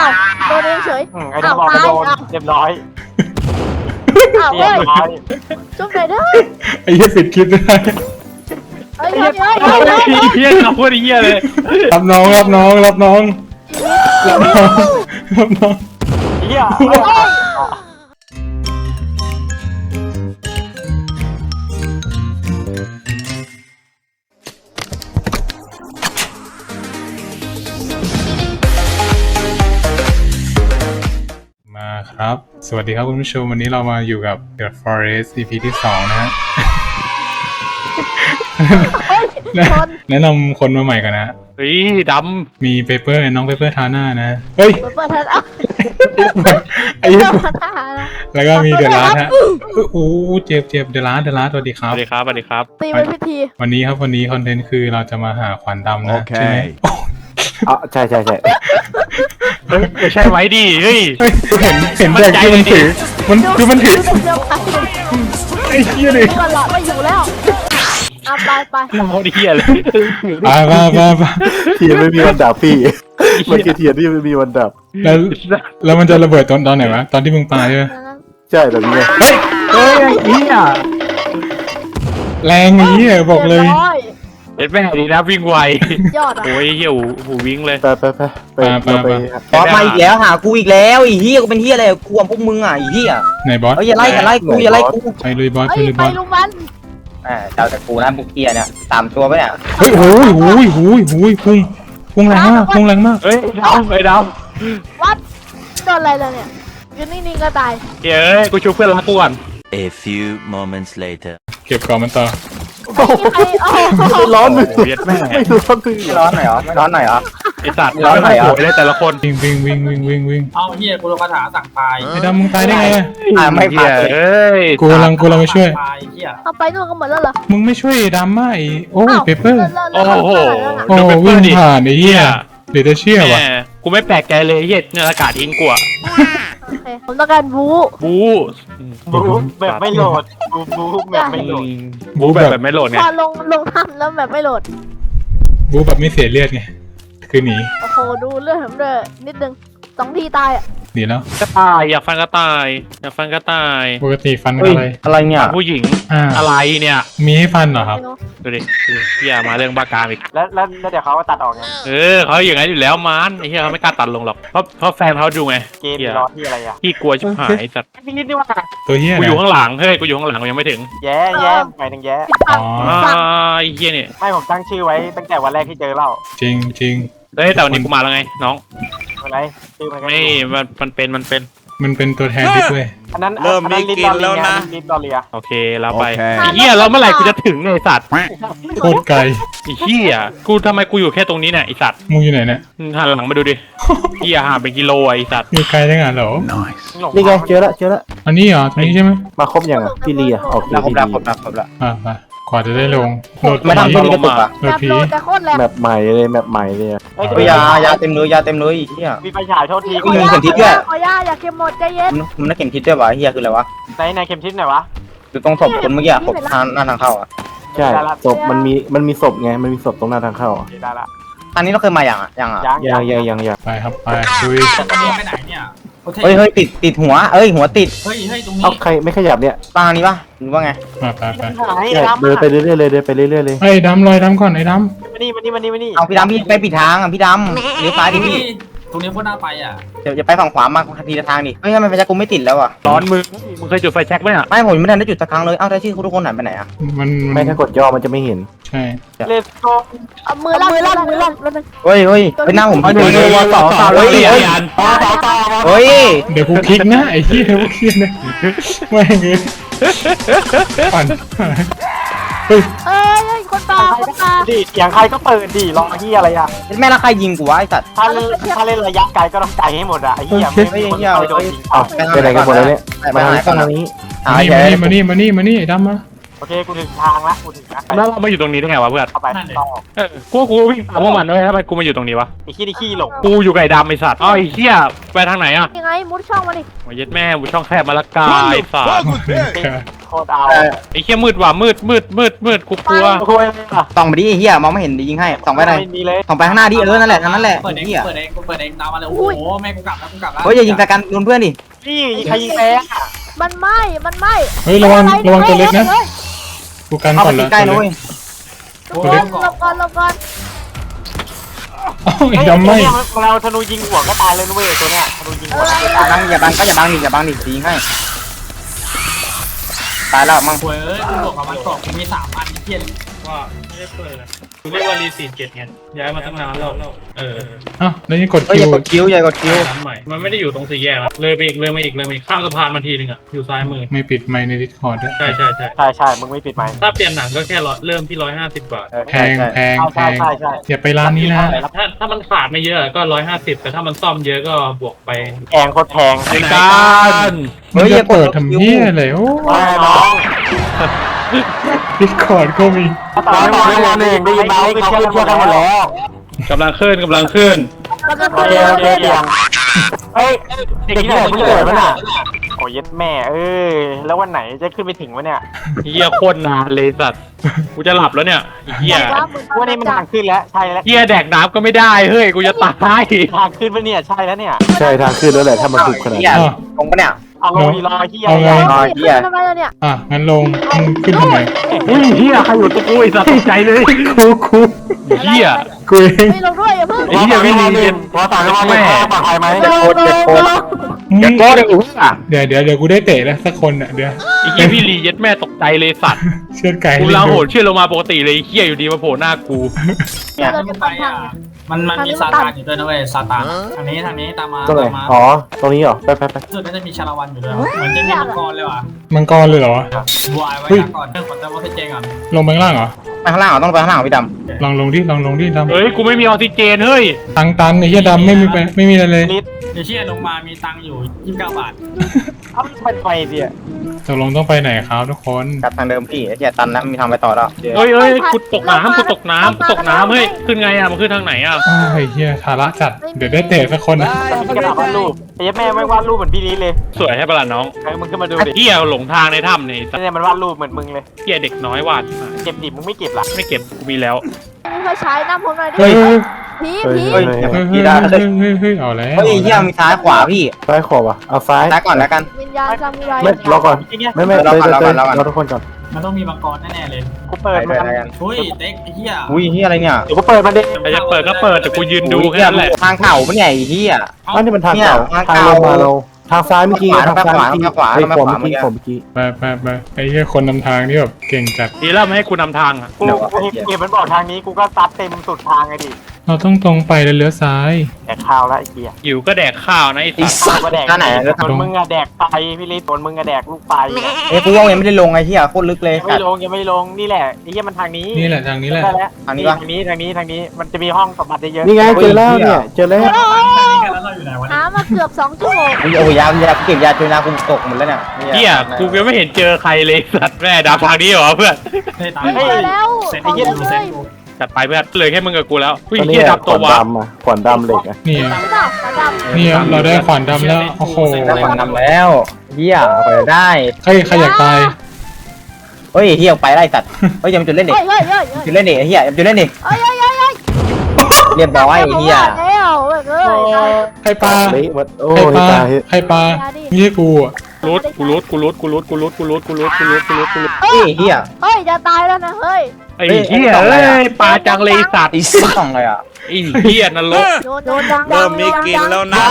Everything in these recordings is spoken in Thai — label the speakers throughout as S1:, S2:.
S1: อ้าวโดนเองเฉย
S2: ไอ้ดำบอกโดนเรียบร้อย
S1: อ้าว
S2: เรี
S1: เฮ้
S2: ย
S1: ย
S2: บร้อย
S1: จุ๊บหน่อยเด้อ
S3: ไอ้เหี้ยปิดคลิปได้
S1: เฮ้ยเฮ้ย
S4: เฮ้
S1: เฮ้
S4: ย
S1: ยเฮ้ย
S4: เฮียเราพูดเฮียเลย
S3: รับน้องรับน้องรับน้องรับน้องรับน้อง
S2: เฮีย
S3: มาครับสวัสดีครับคุณผู้ชมวันนี้เรามาอยู่กับ The Forest EP ที่ 2 นะฮะ แนะนำคนมาใหม่กันนะ
S4: เฮ้ยด
S3: มีเปเปอร์น้องเปเปอร์ทาน่านะเฮ้ย
S1: เปิดเทิร์นอ้าว
S3: ไอ้เหี้ย
S1: เปิดทหารนะ
S3: แล้วก็มีเดอะลาสฮะโอ้เจ็บเดอะลาสสวัสดีค
S4: ำส
S3: รับ
S4: วัสดีครับสวัสดีครับ
S1: ตีเป็นพิธี
S3: วันนี้คอนเทนต์คือเราจะมาหาขวานดำนะใช่ไหม
S2: อ๋อใช่ใช่ใช่
S4: เฮ้ยไม่ใช่ไว้ดิเฮ้ย
S3: เฮ้ยเห็นแต่ที่มันถือมันคือมันถือ
S1: เร็วไป
S3: ไอ้เหี้ยเลย
S1: ตัวหลอดไม่อยู่แล้วเอาไปไป
S4: เราเฮียเลย
S3: ไป
S5: เทียนไม่มีวันดับพี่ มันคือเทียนที่ไม่มีวันดับ
S3: แล้วมันจะระเบิดตอนไหนวะตอนที่มึงปาใช่ไหม
S5: ใช่แบบนี้ไง
S3: เฮ้ย
S4: เฮ้ยเฮีย
S3: แรงอย่างนี้บอกเลย
S4: เอ็ดแม่ดีนะวิ่งไวย
S1: อดอ่ะ
S4: โอ้ยเฮียหูวิ่งเลย
S5: ไปเราไป
S6: บอสมาอีกแล้วหากูอีกแล้วไอ้เหี้ยกูเป็นเหี้ยอะไรกูกับพวกมึงอ่ะไอ้เหี้ย
S3: ไหนบอส
S6: เอ้ยอย่าไล่กูอย่าไล่กู
S3: ไปลุยบอส
S1: เฮ้ย
S3: ลุย
S1: ไป
S3: บอส
S1: ลุงมัน
S6: เจ้าแต่กูนะพวกเหี้ยเนี่ยตามตัวไปเนี่ย
S3: เฮ้ยโอ้ยพุ่งแรงมาก
S4: เฮ้ยดาวไอ้ดาว
S1: วัดโดนอะไรเลยเนี่ยยืนนิ่งๆก็ตาย
S4: เฮ้ยกูชูเพื่อนรักกูก่อน
S7: A few moments later.
S3: เก็บก่อนมันต่อ
S5: ร้อนเลย
S4: โอ้ยเอ็ดแม่
S5: ไม่ร้อนเลย
S6: ไม่ร้อนหน่อยเหรอไม่ร้อนหน่อยเหรอ
S4: ไอ้สัตว์
S6: ร้อนหน่อยเหรอ
S4: โเลยแต่ละคน
S3: วิ่ง
S8: เอาเฮียกูโดนคาถาสั่งตาย
S3: ไอ้ดำมึงตายได้ไง
S6: ไม่ผ่านเลย
S4: เฮ้ย
S3: กูกำลังมาช่วย
S8: ตายเฮีย
S1: เอาไปนู่นก็หมดแล้วเหรอ
S3: มึงไม่ช่วยดำมาโอ้ยเปเปอร์
S4: โอ้โห
S3: โอ้วิ่งผ่านไอ้เหี้ยเดี๋ยวจะเชื่อ
S4: แห
S3: วะ
S4: มกูไม่แปลกใจเลยเฮียในอากาศทิ้งกูอะ
S1: โอเคผมต้องการบู๊
S4: บู
S2: บูแบบไม่โหลดบูแบบไม่โหลด
S4: บูแบบไม่โหลดไง
S1: พอลงถ้ำแล้วแบบไม่โหลด
S3: บูแบบไม่เสียเลือดไงคือหนี
S1: โอ้โหดูเลือดผมด้วยนิดนึง2 ทีตายอ่ะ
S3: หนีแล้ว
S4: กระต่ายอยากฟันกระต่ายอยากฟันกระต่าย
S3: ปกติฟัน
S6: เฮ้ย
S3: อะไร
S6: อะไรเนี่ย
S4: ผู้หญิง
S3: อ่า
S4: อะไรเนี่ย
S3: มีให้ฟันเหรอครับ
S4: ดูดิพี่อย่ามาเรื่องบ้ากามอีก
S2: แล้วเดี๋ยวเขาตัดออกไง
S4: เขาอย่างนั้นอยู่แล้วมันไอ้เหี้ยเขาไม่กล้าตัดลงหรอกเพราะแฟนเขาดูไง
S2: เกม
S4: เหี้ย
S2: รอที่อะไรอ่ะ
S4: พี่กลัวชิบหายสัตว์
S2: พี่นิดนี่ว่า
S3: ตัวเหี้ย
S4: กู
S3: เนี่
S4: อยู่
S3: ย
S4: ข้างหลังเฮ้ยกูอยู่ข้างหลังกูยังไม่ถึง
S2: แย่หมายถึงแย่
S1: ปิดปาก
S3: อ๋อ
S4: ไอ้เหี้ยเนี่ย
S2: ไม่ผมตั้งชื่อไว้ตั้งแต่วันแรกที่เจอเล่า
S3: จริง
S4: เฮ้ยแต่วันนี้กูมาแล้วไงน้อง
S2: อะไรชื่อมัน
S4: ไม่มันเป็น
S3: มันเป็นตัวแทนดิด้วย
S2: อันนั้นลิ้นดอเลีย
S4: โอเคแล้วไป
S7: โอเค
S4: ไอ้เหี้ยแล้วเมื่อไหร่กูจะถึงเนี่ยไอ้สัตว์
S3: โคตรไกล
S4: ไอ้เหี้ยกูทำไมกูอยู่แค่ตรงนี้เนี่ยไอ้สัตว์
S3: มึงอยู่ไหนเนี่ย
S4: หันหลังมาดูดิเหี้ยห่างเป็นกิโลไอ้สัตว์
S3: อยู่ไกลได้ไงเหรอ
S5: นี่ไงเจอแล้ว
S3: อันนี้เหรอตรงนี้ใช่ไหม
S5: มาครบยังอ่ะพี่เลียออก
S6: ครบแล้ว
S3: ไปกว่าจะได้ลงโหลด
S6: ไม่ทำตัวนี้กระตุกอ่ะ
S3: โหล
S1: แบ
S3: ด
S1: บ
S3: ผี
S1: โหลดแต่โคตรแรง
S5: แมปใหม่เลยแมปใหม่เลย
S2: เฮ้ย
S6: เฮ้ยยาเต็มเลยไอ้เหี้ย
S2: มีไฟฉายโทษที
S6: มึงเข็มทิศด้วย
S1: ขอย่าเข็มหมดใจเย็น
S6: มึงนักเข็มทิศด้วยวะไอ้เหี้ยคืออะไรวะ
S2: ในเข็มทิศไหนวะ
S6: อยู่ตรงศพคนเมื่อกี้ศพหน้าทางเข้าอ่ะ
S5: ใช่ศพมันมีศพไงมันมีศพตรงหน้าทางเข้า
S2: ได้ละ
S6: อันนี้เราเคยมาอย่างอ่ะ
S2: ยัง
S5: ยัง
S3: ไปครับไปลุย
S8: ตอนนี้ไปไหนเนี่ยโอเค
S6: เฮ้ยติดหัวหัวติด
S8: เฮ้ยตรงนี้
S5: เอาใครไม่ขยับเนี่ย
S6: ปางนี้ปะหรือว่าไง
S3: ไป
S5: เดินไปเรื่อยๆเลยเดินไปเรื่อยๆเลย
S3: ไอ้ดำลอยดำก่อนไอ้ด
S2: มานี่
S6: เอาพี่ดำพี่ไปปิดทางอ่ะพี่ดำเลี้ยวซ้ายดิพี่
S8: ตรงนี้โคตรน่าไปอ่ะ
S6: เดี๋ยวจะไปฝั่งขวามาทีละทางดิเฮ้ยทำไมไฟแช็กกูไม่ติดแล้วอ่ะ
S4: ร้อนมึงเคยจุดไฟแช็กไหมอ่ะ
S6: ไม่ผมยังไม่ทันได้จุดสักครั้งเลยเอ้าได้ชื่อทุกคนหายไปไหนอ่ะ
S3: มัน
S5: ไม่ถ้ากดย่อมันจะไม่เห็น
S3: ใช่
S2: เลสโก
S1: เอามือลั่นแล้วนึง
S6: เฮ้ยหน้าผม
S4: เฮ้ย
S6: เฮ้ย
S3: เดี๋ยวกูคลิกนะไอ้เหี้ยกูคลิกนะไม่เงี้ยปั่นเฮ้ย
S1: เอ้ยคนตา
S2: ดิอย่างใครก็เปิดดิรอที่อะไรอ่ะ
S6: แม่ละใครยิงกูวะไอ้สัตว์
S2: ถ้าเล่นระยะไกลก็ต้องไกลให้หมดอ่ะไอ้เหี้ยไม่โดนยิง
S5: เอาไปไหนกันหมดแล้วเนี่ยมาทางนี้
S3: มานี่ไอ้ดำมา
S2: โอเคกูถึงทางละกูถึงนะ
S4: แล้วเรามาอยู่ตรงนี้ได้ไงวะเพื่อน
S2: เข้าไปต่อ
S4: กูวิ่งตามพวกมันด้วยทำไมกูมาอยู่ตรงนี้วะ
S2: ไอ้ขี้หลง
S4: กูอยู่ไก่ดำไอ้สัตว์อ้าวไอ้เหี้ยไปทางไหนอ่ะ
S1: ยังไงมุดช่องมาดิ
S4: มาเย็ดแม่กูช่องแคบมาละกายสัตว์
S2: ขโคตรเอา
S4: ไอ้เหี้ยมืดว่ะมืดกูกลัว
S2: โอ้ยอ่ะ
S6: ส่องไปดิไอ้เหี้ยมองไม่เห็นดิยิงให้ส่องไปไหน
S2: ไม่มีเลย
S6: ส่องไปข้างหน้าดินั่นแหละนั่นแหละ
S8: เปิดเอง
S6: เหี้ย
S8: เปิดเองตามมาเลยโอ้โหแม่กูกลับแล้ว
S6: เฮ้ยอย่ายิงตะกันโดนเพื่อนดิ
S2: นี่ใครยิงแพ้อะ
S1: มันไหม้
S3: เฮ้ยระวังตัวเล็กนะกูกัน
S6: เข้า
S3: ก่
S6: ไป
S3: อนละ
S6: ใกล้ๆนะเว้ย
S1: หลบก่อน
S3: เอ้าไอ้ดำไม่
S2: เราธนูยิงหัวก็ตายเลยนะเว้ยตัวเนี้ยธนูยิงหัว
S6: อย่าบังก็อย่าบังดิยิงให้ตายแล้วมั่ง
S8: เว้ยกูบอกกับมันกรอบกูมี3 อันเทียน
S4: ว่าไม่ได้เปิดนะกูเรียกว่ารีซีเจ็ดไงย้ายมาตั้งนานแล้ว
S3: อ้าวแล้วนี่กด
S6: เฮ้ย
S3: คิ
S6: อย่าว กดคิ้วอย่ากดคิ้ว
S4: ร้านใหม่มันไม่ได้อยู่ตรงสี่แยกนะเลยไปอีกข้ามสะพานมาทีนึงอ่ะอยู่ซ้ายมือ
S3: ไม่ปิดไมค์ในดิสคอร์ดด้วย
S4: ใช่
S2: ใช่มึงไม่ปิดไหมค์
S4: ถ้าเปลี่ยนหนังก็แค่เริ่มที่150 บาท
S3: แพง
S2: ใช่ใช่
S3: อย่าไปร้านนี้นะ
S4: ถ้ามันขาดไม่เยอะก็150แต่ถ้ามันซ่อมเยอะก็บวกไป
S2: แพงโคตรแพง
S4: ในการ
S3: มึงจะเปิดทำเหี้ยอะไรโอ้
S2: ไม่น้อง
S3: ดิสคอร์ดก็มี
S2: ตอนวันหนึ่งได้ยินไหมเขาเชื่อกันหมดแล้ว
S4: กำลังขึ้น
S1: กำลัง
S2: เดียวเฮ้ยเด็กที่ไหนเพิ่งเกิดมั้งน่ะโอ้ยยัดแม่แล้ววันไหนจะขึ้นไปถึงวะเนี่ย
S4: เฮียโคตรนานเลยสัตว์กูจะหลับแล้วเนี่ยเฮีย
S2: วันนี้มันทางขึ้นแล้วใช่แล้ว
S4: เฮียแดกน้ำก็ไม่ได้เฮ้ยกูจะตาย
S2: ทางขึ้นปะเนี่ยใช่แล้วเนี่ย
S5: ใช่ทางขึ้นแล้วแหละถ้ามันถูกขนาด
S6: เหี้ย
S5: นี้
S6: ตรงปะเนี่ย
S2: เอาลงดีรอที่
S3: เอาไง
S1: ทำไมล่ะเนี่ย
S3: งั้นลงมึงขึ้นทำไม
S4: อุ้ยเฮียใครอยู่ตัวกูไอ้สัตว์ตกใจเลย
S3: กู
S4: เฮีย
S3: กูเอง
S1: ไม่ลงด้วยอย่าเพิ่ง
S4: ไอ้เหี้ยไม่ดี
S2: พอต่างกันว่าแม่ปลอดภัยไหม
S6: เจ็บโคตร
S3: มึง
S6: โคตรอุ้ยอ่ะ
S3: เดี๋ยวกูได้เตะแล้วสักคนอ่ะเดี๋ยว
S4: ไอ้เฮียพี่ลีเย็ดแม่ตกใจเลยสัตว์
S3: เชือดไก่
S4: กูลาโหดเชื่อลงมาปกติเลยเฮียอยู่ดีมาโผล่หน้ากู
S6: เนี่ย
S1: เรา
S8: ขึ้
S1: จะ
S8: น
S1: ไป
S8: ไปอ่ะมันมีซาตานอยู่ด้วยนะเว้ยซาตานทางนี้ตามมา
S5: ตรงไหน
S8: ตามมา
S5: อ๋อตรงนี้เหรอไป
S8: สุดก็จะมีชาละวันอยู่ด้วยเหมือนจะมีมังกรเลยว่ะ
S3: มังกรเลยเหรอ
S8: วายไว้ก่อนเรื่องของเจ้าวัฒเจงก่อน
S3: ลงไปข้างล่างเหรอ
S6: ไปข้างล่างต้องไปข้างล่างพี่ดำ
S3: ลองลงดิดำ
S4: เฮ้ยกูไม่มีออกซิเจนเฮ้ย
S3: ตันไอ้เหี้ยดำไม่มีอะไรเลย
S2: ลิตร
S8: เดี๋ยวเชี่ยลงมามีตังค์อยู่29 บาท
S2: เอาเป็นไฟเดีย
S3: ตกลงต้องไปไหนครับทุกคน
S6: กลับทางเดิมพี่ไอ้เหี้ยตันนะมีทางไปต่อแล้ว
S4: เฮ้ยกูตกน้ำเฮ้ยขึ้นไงอ่ะมันขึ้นทางไหนอ่ะ
S3: อ้าวไอ้เหี้ยทาระจัดเดี๋ยวได้เตะสักคนนะ
S2: มีกระดาษวาดรูปไอ้ยัดแม่ไม่วาดรูปเหมือนพี่ลิตเลย
S4: สวยให้ประหลาดน้อง
S2: มึงขึ้นมาดูดิ
S4: เฮียหลงทางในถ้ำเนี่ย
S2: เนี่ยมันวาดรูปเหมือนมึงเลย
S4: เฮียเด็กน้อยวาด
S2: เก็บดิบมึงไม่เก็บหรอ
S4: ไม่เก็บกูมีแล้ว
S1: มีไฟฉายน้ำผมหน่อยดิ
S3: เฮ้ย
S1: ผี
S5: เฮ้ย
S6: พี่ได้
S3: เฮ้ยเอาแล้ว
S6: เฮ้ยเหี้ยมีซ้ายขวาพี่
S5: ซ้ายขวาวะเอาซ้าย
S6: ซ้ายก่อนแล้วกัน
S1: วิญญาณซามูไร
S5: ไม่รอก่อนไม่เราทุกคนก่อน
S8: มันต้องมีมังกรแน่ๆเลย
S2: กูเปิด
S6: ไป
S2: มัน
S6: ด้วยกัน
S8: อุ้ยเต็กไอ้เหี้ย
S6: อุ้ยเหี้ยอะไรเนี่ย
S2: เดี๋ยวกูเปิดมันดิ
S4: ใครจะเปิดก็เปิดแต่กูยืนดูแค่นั้นแหละ
S6: ทางเข่าปะเนี่ยไอ้เหี้ย
S5: อันนี้มันทางเก่าทางลงมาเราทางซ้ายเมื่อกี้ทางซ้ายเมื่อกี้ไอ้ผมเมื่อกี้
S3: ไปไอ้เหี้ยคนนำทางนี่แบบเก่งจัด
S4: ดีแล้วไม่ให้กูนำทางอ่ะ
S2: กูเก็บมันบอกทางนี้กูก็ซัดเต็มสุดทางไงดิ
S3: เราต้องตรงไปแล้วเลี้ยวซ้าย
S2: แดกข้าวแล้วไอ้เกีย
S4: หิวก็แดกข้าวนะไอ้สัตว์
S2: ว่าแดกส่วนมึงอะแดกไฟพี่ลิตส่วนมึงอะแดกลูกไฟ
S6: เอ้ยกูว่ายังไม่ได้ลงไอ้เหี้ยโคตรลึกเลย
S2: ยังไม่ลงนี่แหละไอ้เหี้ยมันทางนี้
S3: นี่แหละทางนี้แหละ
S2: ได้แล้ว
S6: ทางนี้ปะ
S2: ทางนี้มันจะมีห้องสมบัติเยอะ
S5: นี่ไงเจอแล้วเนี่ยเจอแล้ว
S8: แล้วเราอยู่ไหนวะ
S1: หามาเกือบ2 ชั่วโมง
S6: โอ้ยยาเก็บยาจนยากูตกหมดแล้วเนี่ย
S4: เฮียกูยังไม่เห็นเจอใครเลยสัตว์แม่ดาวทางนี้เหรอเพื่อน
S8: ได้ตัง
S1: เจอแล้ว
S8: เสร็จ
S1: ขอ
S8: ไอ้
S1: ง
S8: เหี้ย
S1: เล
S8: ดูเสร็จ
S1: ย
S4: จัดไปเพื่อนเลยแค่มึงกับกูแล้วผู้ห
S5: ต
S4: ญิ
S5: อง นนี้
S4: เฮีย
S5: ข
S4: ดำตัว
S5: วาน
S4: วะ
S5: ดำอ่ะขวานดำเหล็กอ่ะ
S3: นี่
S1: ไม่ได้ขวานดำ
S3: นี่เราได้ขวานดำแล้วโอ้โห
S6: ได้ขวานดำแล้วเหี้ยเปิดได้
S3: ใครอยากตาย
S6: เฮ้ยเหี้ยไปไล่สัตว์เฮ้ยยังจุดเล่นเด็ก
S1: เฮ้ย
S6: จุดเล่นเด็กเหี้ยจุดเล่นเด็ก
S1: เฮ้ย
S6: เรียบร้อยไอ้เหี้ย
S1: แล้วเอ้ย
S3: ใครปลา
S5: เละหมดโอ้
S3: ใคร
S5: ย
S3: ปลา
S5: ตาย
S3: ใครปลาไม่ใช่กูอ่ะ
S4: กูรุด
S6: เฮ้ยเหี้ย
S1: เฮ้ยจะตายแล้วนะเฮ้ย
S4: ไอ้เฮียเอ้ยปลาจังเลยสัตว์
S6: อีส่องเลยอ่ะ
S4: ไอ้เฮียนรก
S1: โดนดัง
S7: เริ่มมีกลินแล้วนะ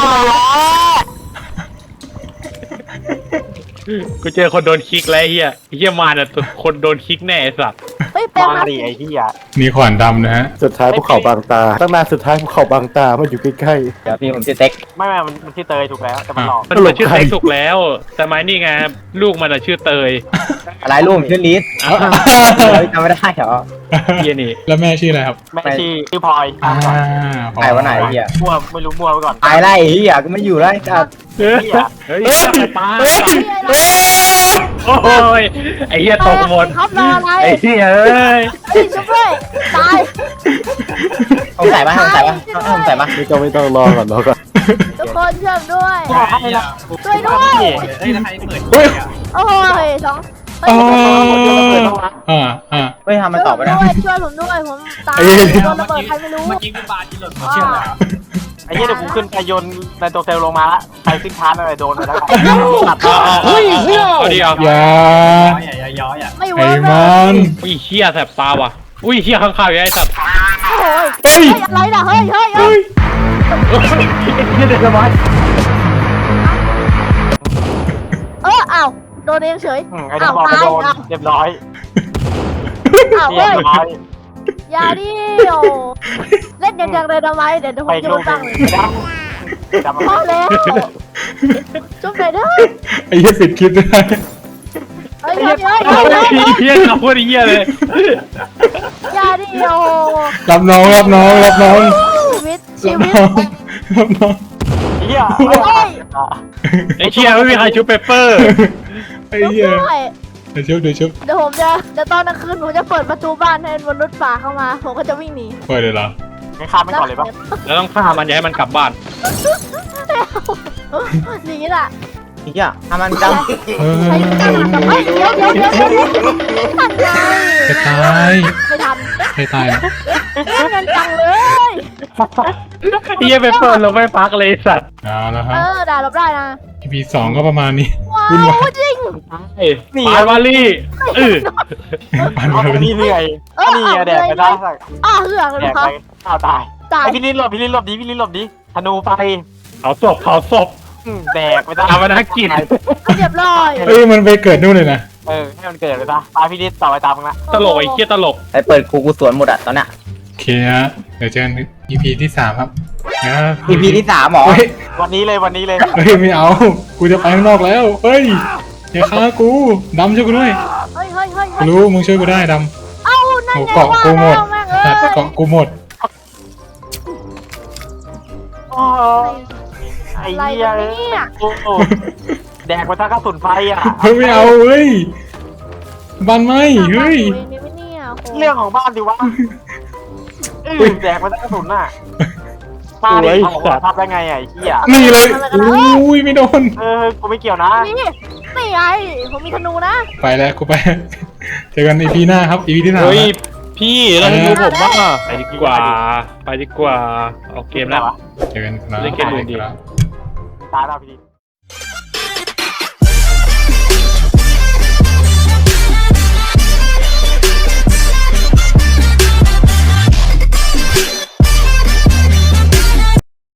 S4: กูเจอคนโดนคิกแล้วไอ้เฮียไอ้เฮียมาเนี่ยคนโดนคิกแน่ไอ้สัตว์
S1: เฮ้ยแปลง
S2: มา
S1: มา
S2: ดิไอ้เหี้ย
S3: มีขวานดำนะฮะ
S5: สุดท้ายภูเขาบางตาตั้งนานสุดท้ายภูเขาบางตามันอยู่ใกล้
S6: เดี๋ยวพี่ผมชื่อเต็ก
S2: ไม่มันชื่อเตยถูกแล้วแต่มันหลอก
S4: มันเหมือนชื่อเต็กสุกแล้ว แต่ไม้นี่ไงลูกมันอะชื่อเตย
S6: อะไรรูปชื่อลิสจำไม่ได้เหรอ
S4: เฮียนี่
S3: แล้วแม่ชื่ออะไรครับ
S2: แม่ชื่อพลอย
S6: ใครวะไหนเหี้ย
S2: มั่วไม่รู้มั่วไปก่อน
S6: ตายไล่เหี้ยก็ไม่อยู่แล้วจัด
S2: เหี้ย
S4: เฮ้ยปลาโอ้ยไอ้เฮียตกหมด
S1: ครับรออะไร
S4: ไอ้เฮียเอ้ย
S1: เฮ้ยชุบเลยตาย
S6: สงสัยปะ
S5: ไม่ต้องรอก่อน
S1: ทุกคนเชื่อมด้วย
S8: ช่วยด้วย
S1: ช่วยด้วย
S8: เฮ้ยใครเปิด
S1: โอ้ย
S3: อ๋ออ่า
S6: เฮ้ยทำมันตอบไป
S1: ช่
S6: นะ
S1: วยช่วยผมด้วยผมตาย
S3: เอ้ย
S1: โดนระเบิดใครไม่รู้
S8: เมื่อกี้กูปาจิหล่นมาเชื่อแล้ว
S2: ไอ้เหี้ยเดี๋ยวกูขึ้นไปโยนในตัวเซลลงมาละใครขึ้นชาร์จอะไรโดนไปแล้ว
S4: เฮ้ยเอาดิเอา
S3: อย่า
S8: อย่าย้อยอ่ะ
S1: ไม่
S3: ไอ้
S1: เวิร์กเล
S3: มั
S1: ย
S3: น
S4: อุ้ยเชี่ยแสบตาว่ะอุ้ยเชี่ยข้างๆอยู่ไอ้สัตว์
S1: โอ้โห
S3: เฮ้ย
S1: อะไรน่ะเฮ้ยเฮ้ย
S3: เฮ้ย
S1: อ้าวโดนเองเฉย
S2: ไอ้ดำบอกโดนเรียบร้อย
S1: อ้าว
S2: เรีย
S1: เฮ้ย
S2: บร้อย
S1: อย่าดิโอเล่นอย่างเลยทำไมเดี๋ยวผ
S2: ไป
S1: มจะ
S2: ลู
S1: มาก ตั้งเลย
S2: ดำ
S1: พอแล้วจุ๊บไหนเด้อ
S3: ไอ้เหี้ยปิดคลิปได้
S1: เฮ้ยเฮ้ย
S4: โอ้
S1: เฮ้ย
S4: ยเฮียเราพูดไอ้เฮียเลย
S1: อย่าดิโอ
S3: รับน้องรับน้องรับน้อง
S1: ชีวิต
S3: รั
S1: ชี
S3: บ
S1: วิต
S3: น้องรับน้อง
S2: เหี้ย
S4: ไอ้เชี่ยไม่มีใครชุบเปเปอร์
S3: ไอ้เหี้ย
S1: ด้วย
S3: เดี๋ยวชุบเดี๋ยวชุบ
S1: เดี๋ยวผมจะเดี๋ยวตอนกลางคืนผมจะเปิดประตูบ้านให้มนุษย์ป่าเข้ามา ผมก็จะวิ่งหนี
S3: เปิดเลยเหรอ
S2: ไม่ข้ามไม่ก่อนเลยปะ
S4: แล้วต้องฆ่ามันอย่าให้มันกลับบ้าน
S1: อย่างนี้แหละ
S6: ไอ้เหี้ยทำมันดำ
S3: เออ
S1: ใครจะทำกับเฮ้ยเดี๋ยวทันไง
S3: จะตาย
S1: ไม่ทัน
S3: ใครตายอ่ะ
S1: เล่นกันจังเลย
S4: เฮียเปเปอร์เราไม่พักเลยสัตว์
S3: เอาแล้วค
S1: เอ
S3: รับ
S1: อด่าลบได้นะ
S3: EP 2ก็ประมาณนี้
S1: ว้า
S3: วุ่นวา
S1: วย จริง
S4: ปายวาลี่เออ
S3: ปัน
S2: เอา
S3: มา
S2: ไป
S3: เป็น
S2: นี่เหนื่อยนี่แดกไปได้
S1: เหือกเลย
S2: แดก
S1: ครั
S2: ไป
S1: บ
S2: อ้าวตาย
S1: ตาย
S2: ไอพี่ลิ้นหลบพี่ลิ้นหลบดีพี่ลิ้นหลบดีธนูไฟ
S4: เผาศพเผาศพ
S2: แดกไปได้
S4: เอามานักกิน
S1: เรียบร้อย
S3: เอ้ยมันไปเกิดนู่นเลยนะ
S2: ให้มันเกิดไปซะตายพี่ลิ้นต่อไปตามมึงละ
S4: ตลกไอ้เฮียตลก
S6: ไอ้เปิดกูสวนหมดอะตอนเนี้ย
S3: โอเคฮะเดี๋ยวเจอกัน EP ที่3ครับนะ
S6: EP ที่3หรอ
S3: เฮ้ย
S2: วันนี้เลยวันนี้เลย
S3: เฮ้ยไม่เอา กูจะไปข้างนอกแล้ว เฮ้ยอย่าฆ่ากูดำช่วยกูด้วย
S1: เฮ้ยเฮ้ยเฮ้ย
S3: กูรู้มึงช่วยกูได้ด
S1: เอ้านั่
S3: ำ
S1: น
S3: โอ้
S1: ไง
S3: เกาะกูหมด
S1: แม่ง
S3: สัตว์
S1: เอ้ย
S3: เกาะกูหมด
S2: ไอ้
S1: อะไร
S2: เหี้ย
S1: เนี่ย
S2: โอ้แดกไปทั้งกระสุนไฟอ่ะ
S3: เฮ้ยไม่เอาเฮ้ยบันไหมเฮ้ย
S2: เรื่องของบ้านดิวะแดกไปทั้งกระสุนน่ะป้าดิเขาทำได้ไงไอ้เหี้ย
S3: นี่เลยอุ้ยไม่โดน
S2: กูไม่เกี่ยวนะ
S1: นี่ไงผมมีธนูนะ
S3: ไปแล้วกูไป เจอกัน EP หน้าครับ EP ที่3
S4: เฮ้ยพี่แล้วให้ดูผมบ้างอะไปดีกว่าไปดีกว่าเอาเกมแล้ว
S3: เจอกันครับ
S4: เล่นเกมอื่นดี
S3: ครับ
S2: ตายแล้วพี่